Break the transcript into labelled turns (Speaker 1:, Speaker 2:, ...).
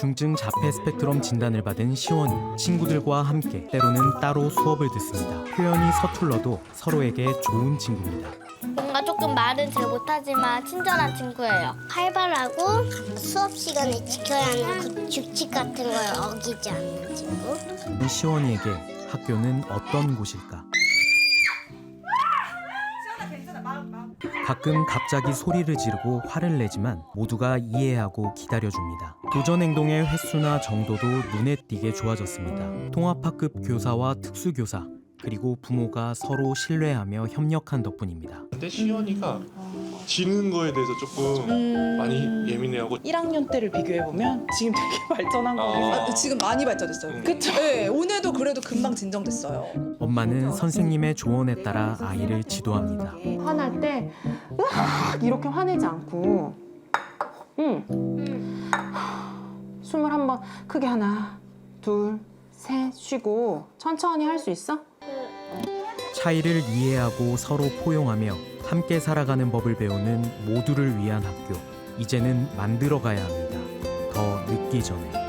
Speaker 1: 중증 자폐 스펙트럼 진단을 받은 시원이 친구들과 함께 때로는 따로 수업을 듣습니다. 표현이 서툴러도 서로에게 좋은 친구입니다.
Speaker 2: 뭔가 조금 말은 잘 못하지만 친절한 친구예요. 활발하고 수업 시간에 지켜야 하는 그 규칙 같은 걸 어기지 않는 친구.
Speaker 1: 시원이에게 학교는 어떤 곳일까? 가끔 갑자기 소리를 지르고 화를 내지만 모두가 이해하고 기다려줍니다. 도전 행동의 횟수나 정도도 눈에 띄게 좋아졌습니다. 통합학급 교사와 특수교사 그리고 부모가 서로 신뢰하며 협력한 덕분입니다.
Speaker 3: 근데 시연이가 지는 거에 대해서 조금 많이 예민해하고
Speaker 4: 1학년 때를 비교해보면 지금 되게 발전한 것 같아요.
Speaker 5: 지금 많이 발전했어요.
Speaker 4: 그쵸?
Speaker 5: 네, 오늘도 그래도 금방 진정됐어요.
Speaker 1: 엄마는 선생님의 조언에 따라 아이를 지도합니다.
Speaker 6: 화날 때 으악 이렇게 화내지 않고 숨을 한번 크게 하나 둘 셋 쉬고 천천히 할 수 있어?
Speaker 1: 차이를 이해하고 서로 포용하며 함께 살아가는 법을 배우는 모두를 위한 학교. 이제는 만들어가야 합니다. 더 늦기 전에.